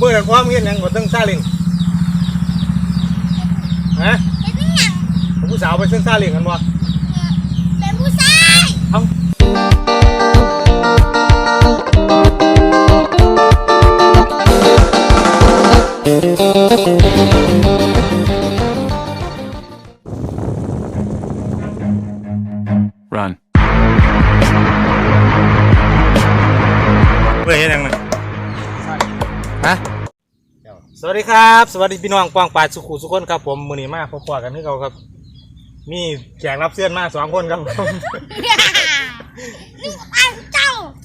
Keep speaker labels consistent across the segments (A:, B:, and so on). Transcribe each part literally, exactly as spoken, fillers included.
A: เมื่อนั้นความเห็นยังบ่ต้องซาเล้งฮะเป็นหยังผู้สาวไปเส้นซาเล้งกันบ่
B: เป็นผู้ชาย
A: เอ้า
C: Run
A: เพื่อเฮ็ดหยังน่ะฮะสวัสดีครับสวัสดีพี่น้องกว้างปาดสุขุสุขคนครับผมมื้อนี้มาพบๆกันคือเก่าครับมีแขกรับเชิญมาสองคนครับผม
B: นี่อันเจ้า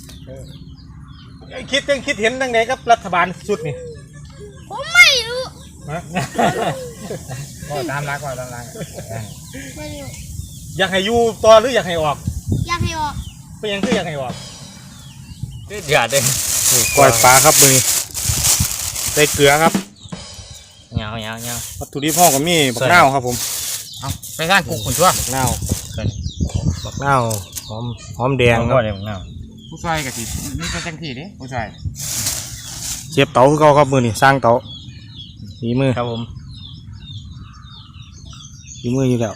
A: คิดยังคิดเห็นจังไดกับรัฐบาลชุดนี่
B: ผมไม่รู้
A: ฮะก็ตามรักก็ตามรัก
B: ไม่รู้
A: อยากให้อยู่ต่อหรืออยากให้ออก
B: อยากให้ออก
A: เป็นยังคืออยากให้ออก
C: เดือดเลย
A: ก้อยปลาครับมือใส่เกลือครับ
C: เงาเงาเงา
A: วัตถุดิบห้องก็มีบักนาวครับผม
C: เอาไปสร้างกุ๊กขุ่นชั่ว
A: บักนาวบักนาวหอมหอมแดงครับ
C: บักนาวผู้ชายกับทีนี่เป็นจังทีดิผู้ชาย
A: เชฟเต๋าคือเขาครับมือนี่สร้างเต๋าฝีมือ
C: ครับผม
A: ฝีมืออยู่แล้ว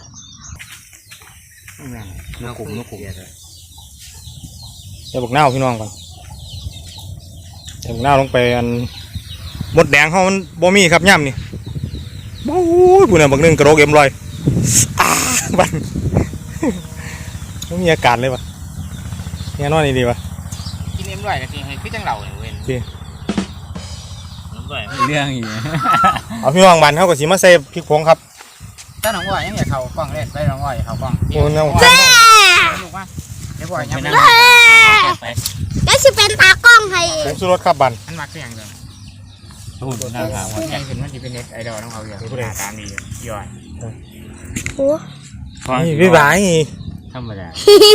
C: นกขุ่นนกขุ่น
A: ใส่บักนาวพี่น้องก่อนใส่บักนาวลงไปอันหมดแดงเขามันบ่มีครับย่ำนี่โอ้ยผู้นั้นบักนึงกระโดดเอ็มลอยอ้าบันไม่มีอากาศเลยปะเนี่ยนอนนี่ดีปะ
C: กินเอ็มลอยกับทีให้พี่จังเหล่าเลยเว้ย
A: จี
C: น้ำลอยเรื่องอีก
A: เอาพี่น้องบันเขาก็สีมาใส่พริกผงครับ
C: ถ้าน้องว่ายังอยากเขากล้องเล่นไปน้องว่าอยากเขากล้อง
A: โอ้น้อง
B: แม่
C: ลูกว่าเดี๋ยวบ่อยยังไม่
B: ได้สิเป็นตากล้องให้
A: ผงชูรสครับบัน
C: อันมักเสียงเดิมหุ่นหน้าผากว่าแข่งขึ้นมันจะเป็นเน็ตไอดอลต้องเอาอย่างหน้าตาดีย่อย
B: โอ้
A: ยพี่บ่าย
C: ธรรมดา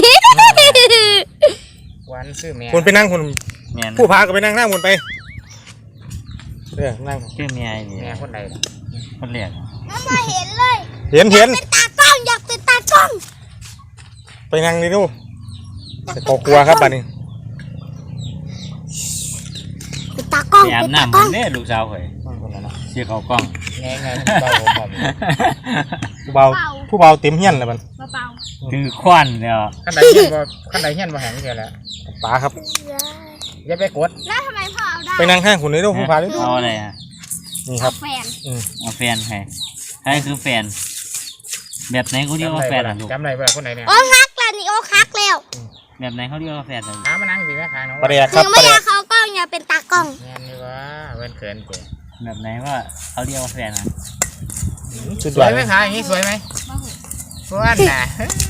C: วันซื้อแม่
A: คุณไปนั่งคุณผู้พาก็ไปนั่งหน้าคุณไปเดี๋ยวนั่ง
C: ชื่อแม่แม่คนใดคนเลี้ยง
B: ไม่เห็นเลย
A: เห็นเห็น
B: เป็นตากล้องอยากเป็นตากล้อง
A: ไปนั่งนี่ดูจะกลัวครับบัดนี้
B: เป็นตากล้อง
C: เป็นตากล้องเนี่ยลูกสาวเคยเชี่ยเขากล้อง
A: แง่ไงเบาผู้เบาผู้เบาเต็มเฮี้ยนเลยมัน
B: เบา
C: คือควันเนี่ย
A: ขั้นใดเฮี้ยนบ่ขั้นใดเฮี้ยนบ่แห้งเสียแล้วป๋าครับอย่าไปกด
B: แล้วทำไมพ่อเอาได้
A: ไปนั่งห้างคุณนี่ดูผู้พาดิ
C: เอาอะไรอ่ะ
A: นี่ครับ
B: แฟน
C: เอาแฟนใครใครคือแฟนแบบไหนเขาเรียกว่าแฟนอ่ะลูก
A: จำได้เวลาคนไหนเนี่ย
B: โอ้ฮักแล้วนี่โอ้ฮักแล้ว
C: แบบไหนเขาเรียกว่าแฟน
A: หามานั่งสิแม่ค้าน้อง
B: ประเดี๋ยวครับไม่อยากเขากล้องอย่าเป็นตากล้อง
A: แม่นี่ว่าเว้นเขินเก๋
C: แบบไหนว่าเขาเรียกว่าแฟนอ่ะ
A: สวยไหมคะอย่างนี้สวยไหมสวยนะ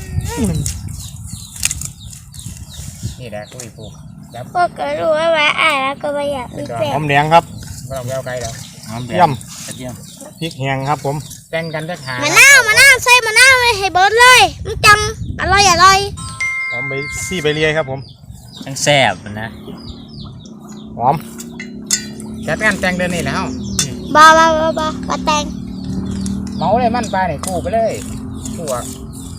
A: นี่แหละคุยผูก
B: พ่อก็รู้ว่าว่าอ่านแล้วก็ไม่อยากมีแฟน
A: หอมแดงครับไม่ต้องแววไกลแล้วเยี่ยม
C: เยี่ยม
A: พริกแห้งครับผมแต่งกันจะหาม
B: ะนาวมะนาวใส่มะนาวเลยให้เบิร์ดเลยมันจังอร่อยอร่อย
A: หอมใบซี่ใบเลียครับผม
C: ทั้งแซ่บนะ
A: หอมจัดงานแต่งเดือนนี้แล้ว
B: บ้าบ้าบ้าบ้าบ้าแต่ง
A: เมาเลยมั่นไปไหนคู่ไปเลยคู่อ่ะ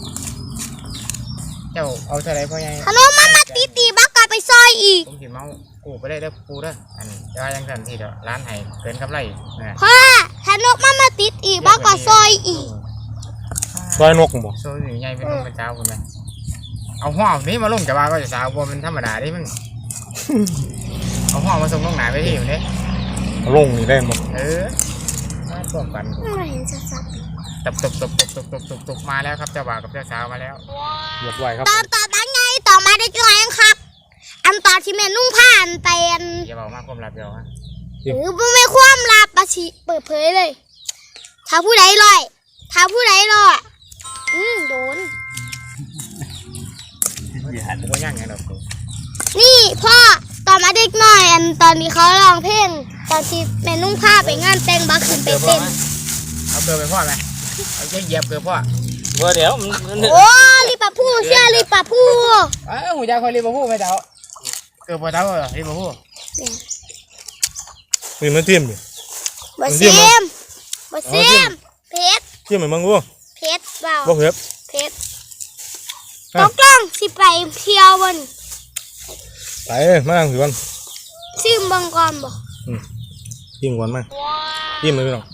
A: เจ้าเอาเท่าไรพ่อใหญ่
B: ขนมมันมาตีตีบ้ากลับไปซอยอีก
A: ผมสิเมาคู่ไปได้เด้อคู่เด้ออันจะยังทันทีเด้อร้านไห้เกินกำไร
B: นะพ่อขนมมันมาติดอีกบ้ากลับซอยอีก
A: ซอยนกบ่
C: ซอยอยู่ใหญ่เป็นเป็นเจ้าคนไหมเอาห่อนี้มาลงจะว่าก็จะสาวบัวเป็นธรรมดาดิมันเอาห่อมาส่งลงหนาไปที่อยู่เนี่ย
A: ลงนี่ได้หมด
C: เออมาส่งกัน
B: ไม่เห็นชัด
C: ๆตบตบตบตบตบตบตบตบมาแล้วครับเจ้าบ่าวกับเจ้าสาวมาแล้ว
A: เรียบร้อยครับ
B: ตอนต่อตั้งไงต่อมาได้จ้อยครับอันต่อที่แม่นุ่งผ้าอันเตียน
C: อย่าบอกมากความลับเดียวฮะ
B: หรือไม่ความลับปะชิเปิดเผยเลยถ้าผู้ใดลอยถ้าผู้ใดลอยอืมโดน
C: อย่าหันตัวย่างไงเรา
B: นี่พ่อตอนมาเด็กหน่อยอันตอนนี้เขาร้องเพลงตอนที่แม่นุ่งผ้าไปงานแต่งบักขึ้นไปเต้น
C: เอาเกลือไปพ่อไหมเอาแค่เหยียบเกลือพ่อเบอร์เดี๋ยว
B: โอ้รีบปะพูเชื่อรีบปะพู
C: เอ้าหูยาคอยรีบปะพูไม่เดาเกลือพอเดาเหรอรีบปะพู
A: นี่มันเทียมดิ
B: บะเทียมบะเทียมเพชร
A: เทียมเหมือนมังกู
B: เพชรเปล่า
A: บ่เพชร
B: เพชรตกล่องสิไปเที่ยวบน
A: ไปมานั่งสิวัน
B: ซิมบังกรบ่
A: จิ้มก่อนมั้ยจิ้มเลยพี่น้อง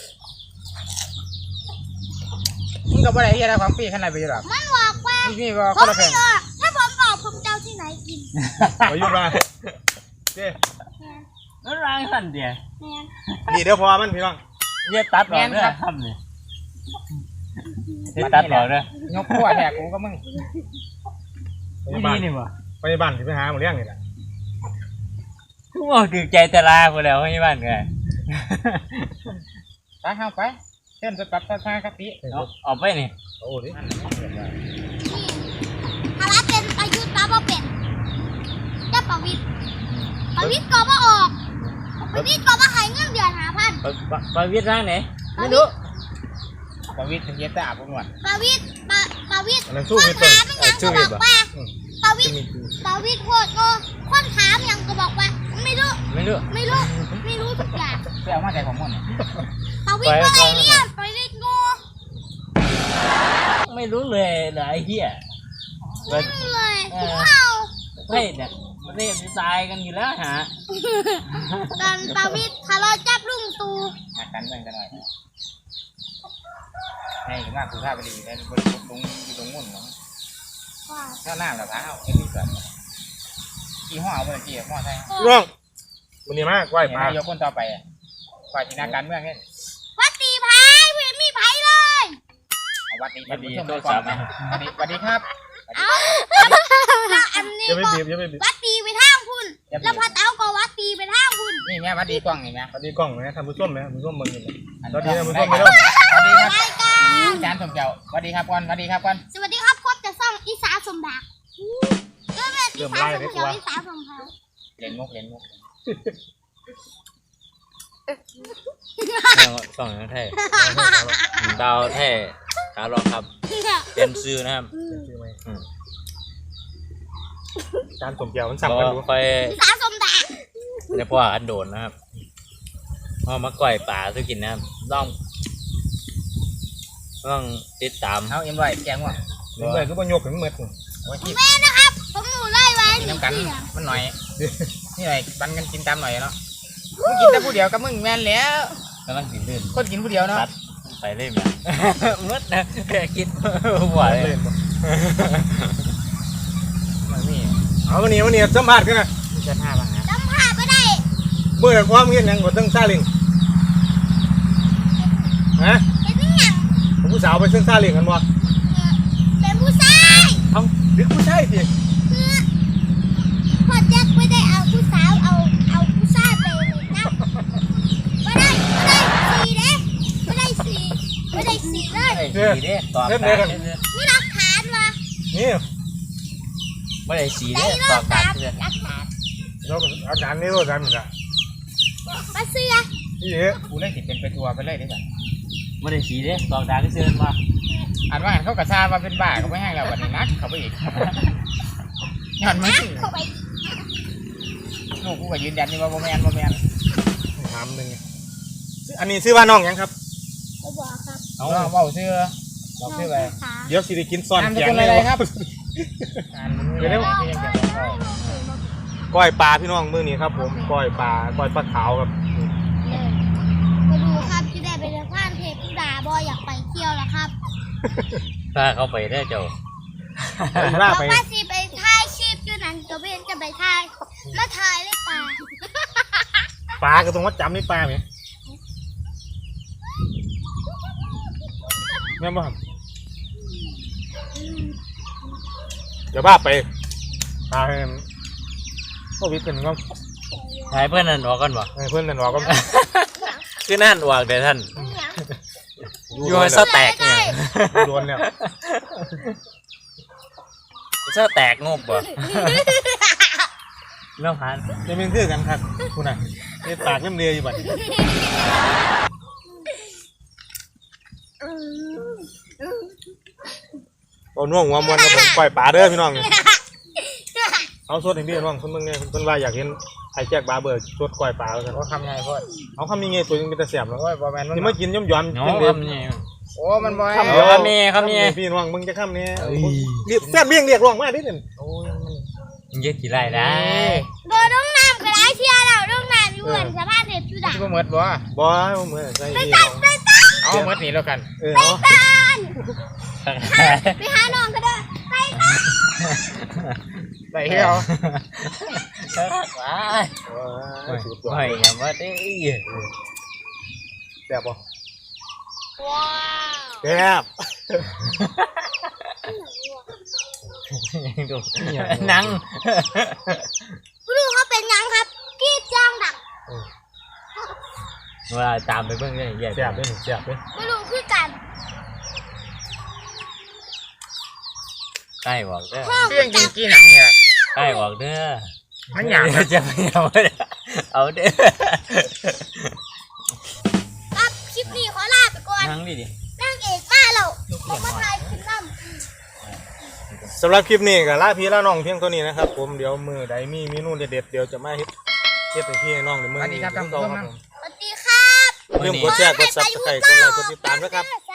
C: มึงกับอะไรที่อะไรของปีขนาดไปอยู่หรอ
B: มันบอกว่า
C: มึงนี่ก็
B: ผ
C: คน
B: ม
C: ละแพ
B: ไม่
C: ง
B: ออกถ้าผมบอกผมจะเอาที่ไหนกิน
A: ประยุทธ์มาเจ้
D: นั่นร้างสั่นเดียว
B: แมน
A: นี่เดี๋ยวพอมันพี่น้อง
D: เยี่ยตัดออกเลยทำเลยตัดออกเลย
C: ยกขั้วแทกกูก็มึง
D: นี่นี่นี่บ่
A: ไปบ้านที่ไปหาหมดเรื่องนี่แหละ
D: กูบอกถึงใจแต่ลาไปแล้วให้บ้านไง
C: ไปเข้าไปเส้นจะปรับท่ากะปิ
D: ออกไปนี่
A: โอ้ดิ
B: นี่ถ้าว่าเป็นประยุทธ์ป้าบ่เป็นจะประวิตรประวิตรก็บ่ออกประวิตรก็บ่ให้เงินเดือนหาพัน
D: ไปวิทย์ร้านไหนไม่รู้
C: ประวิตรถึงเย็ดแต่อาบนวด
B: ประวิตรปะประวิตร
A: อันนั้น
B: ค
A: สู้
B: น
A: มิตร
B: ถามยังก็บอกว่าประวิตรประวิตรโคตรโง่คนถามยังก็บอกว่าไม่รู้
D: ไม่รู้
B: ไม่รู้ไม่รู้ทุกอย่าง
C: เสื้อมาใจของมึง
B: ประวิตรก็เลยเรียนประวิตรโง่
D: ไม่รู้เลยเหรอไอ้เหี้ย
B: ไม่รู้เลยกูเอา
D: เฮ้ยเนี่ยมันเรียกตายกันอยู่แล้วฮะ
B: ตอนประวิตรทะเลาะจับลุงตู
C: หักกันเมืองกันหน่อยให้มากกูท่าไปดีแต่บริบทตรงอยู่ตรงมุ่นเนาะข้าวหน้าหรือเปล่าไอ้ที่เกิดกี่ห้อเอาไปกี่ห้อใช่
A: พี่น้องมันนี่มากไหวปลา
C: นายกคนต่อไปอ่ะฝ่ายจินาการเมืองเนี่ย
B: วัดตีไผ่เพื่อนมีไผ่เลย
C: เอาวัดดีวัดดีโทษสามนะวัดดีวัดดีครับ
B: เอาแล้วอันนี้
A: อย่าไป
B: ก็
A: บีบอย่าไปบีบ
B: วัดตีไปทางคุณแล้วพอเต้าก็วัดตีไปทางคุณ
C: นี่แม่วัดดีกล้องนี่นะ
A: สวัสดีกล้องนะท่านผู้ชมนะท่านผู้ชมมึงนี่นะ
C: วัดดีนะมึงก็ไม่รู้วัดดีครับ
B: รายการ
C: จานสมเจ้าวัดดีครับก่อนวัดดีครับก่อน
B: สวัสดีครับพบกับซ่องอีสานสมบัติก็เป็นอีสานสมเขียวอีสานสมเผา
C: เล่นมุกเล่นมุก
D: สองนักไทยดาวไทยขาลองครับเป็นซื้อนะครับ
A: ชื่อไหมจานสมเกียวมันสั่ง
D: ก็
A: กันดู
D: ไป
B: อีสานสมบัติ
D: ในพ่ออันโดนนะครับเอามาก่อยป่าซื้อกินนะครับต้องต้องติดตาม
C: เอาเอ็มไว้แกงว่ะ
A: นี่เลยก็บรรยกถึงเมื่อ
C: โอ้ยที่
B: แม่นะครับ ผมหนูไล่ไว้
C: กิน
B: หนึ่ง
C: น้ำกัน
B: เสียง
C: มันหน่อยนี่หน่อยปันกันกินตามหน่อยเนาะมึงกินแต่ผู้เดียวกับมึงแม่นแล้ว
D: กำลังกินลื่น
C: คนกินผู้เดียวเนาะ
D: ตัดไปเรื่อยมามืดนะแค่คิดหัวเลย
C: นี่
A: เอาวันนี้วันนี้สัมผัสกันนะ
C: มีเจ้าท่าบ้างนะ
B: จำภาพไม่ได้
A: เมื่อความเห็นยังกดตั้งซาเลิงฮะ
B: เห็นยัง
A: ผมผู้สาวไปเส้นซาเลิงกันบ่
B: เป็นผู้ชาย
A: เอ้าหรือผู้ชายสิ
B: พอแจ็คไม่ได้เอาผู้สาวเอาเอาผู้ชายไปเลยนะไม่ได้ไม่ได้สี่เด้ไม่ได้สี่ไม่ได้สี่เลย
D: ไอ้สีเด้ตอบตา
B: มีหลักฐานมา
A: นี่
D: ไม่ได้สี
B: ได้
D: เด้
B: เลิ
D: ตอก บ
B: ตา
D: ตาม เพื่อน
B: หลักฐาน
A: เราอาจารย์นี่เราอาจารย์นี่ละ
B: มาเสื้อ
A: นี่เอ๊ะ
C: กูเล่นติดเป็นไปทัวร์ไปเลยดิจ้ะ
D: ไม่ได้สีเด้ตอบตาก็เชิญมา
C: อ่านว่าเขากระซามาเป็นบ้าเขาไม่ให้เราวันนี้นักเขาไปอีกย้อนมึง
B: เข้าไป
C: ลูกกูก็ยืนยันนี่ว่าโมแมนโมแมน
A: ถามหนึ่งอันนี้ซื้อว่าน้องยังครับ
B: ไม่บอกครับ
C: เอาเบาเสื้อบอกเสื้อไป
B: ขา
A: เดี๋ยวสิได้กินซ้อน
C: นาม
A: แก
C: สกุ
A: ง
C: ลอะไรครับ
A: ก้อยปลาพี่น้องมื้อนี้ครับผมก้อยปลาก้อยปลาขาวครับ
B: มาดูครับที่ได้ไปเดินผ่านเทพธิดาบอยอยากไปเที่ยวแล้วครับ
D: ถ้าเขาไปได้เจ้า
A: ล่า
B: บอก
A: ไป
B: ว่าสิไปถ่ายคลิปอยู่นั่นก็เบนจะไปถ่ายมาถ่ายเลยป่า
A: ปลาก็ตรงวัดจำนี่ปลาไหมแม่นบ่ครับเดี๋ยวบ้าไปปลาให้พ่อวิทย์เป็นก็
D: ถ่ายเพื่อนนั่นออกกันบ่
A: ให้เพื่อนนั่นบอกก็
D: คือนั่นออกเดี๋ยวท่านอยู่ให้ซะแตกเนี่ย
A: โดนแล้ว
D: ซะแตกงบบ่เรื่องผ่าน
A: จะเป็นคือกันครับคุณน่ะนี่ปากเริ่มเรียอยู่บัดโอ้น่วงหัวมันครับผมปล่อยปลาเด้อพี่น้องเอาสดให้พี่น้องคนเมืองเนี่ยคนว่าอยากเห็นไอ้แจ็คบาร์เบอร์สดกล้วยปลาแล้วกัน
C: ว่าคำไงพ่อ
A: เอาคำนี้ไงตัวยังเป็นตะเสียบแล้ว
C: โอ้ยบอแมน
A: ที่มากินย่อมย่อม
D: เนาะ
A: กินเดียว
D: คำนี้
C: โอ้มันบอย
D: คำเดียว มีคำนี้
A: พี่น้องมึงจะคำนี้เรียกแซ่บเรียงเรียกร้องมาดิเนี่ย
C: โอ้ยมัน
D: มึงเยอะกี่ไรได้
B: โดนน้องน้ำกระไรเที่ยวเราน้องน้ำอยู่บนสะพานเทพธิด่า
C: ที่บ่หมดบ่
A: บ่เหมือนใส่ที่
C: เอาหมดนี่แล้วกัน
A: เออเอา
B: ไปหาน้องก็ได้ไปค่ะ
C: ได้เที่ยว
D: ว้า
A: ว้ายสุดยอด
D: ไม่ยังว่าได้
A: แซ่บบ่
B: ว้าว
A: แซ่บ
D: ดูนัง
B: ผู้ดูเขาเป็นยังครับกรีดจ้างดัก
D: เวลาตามไปเบิ่งเนี่ยแย่
A: แซ่บเด้อแซ่บเด้อ
B: ผู้ดูคือกัน
D: ใกล้บอกเด้อ
B: พ่อ
C: เที่ยงกินกี่หนังเนี่ย
D: ใกล้บอกเด้อ
C: มันหยาบ
D: จะไม่เอาเอาเด้อ
B: ครับคลิปนี้ขอลาไปก่อน
D: นั่งดิดิ
B: นางเอกมาแล้วผมมาถ่ายคลิปน้ำ
A: สำหรับคลิปนี้ก็ลาพี่ลาน้องเพียงเท่านี้นะครับผมเดี๋ยวมื้อใดมีเมนูเด็ดๆเดี๋ยวจะมาเฮ็ดเฮ็ดให้พี่ให้น้องในมื้อนี้ครับผม
B: สวัสดีครับ
A: อย่าลืมกดแชร์กด Subscribe กดไลค์กดติดตามด้วยครับ
B: ส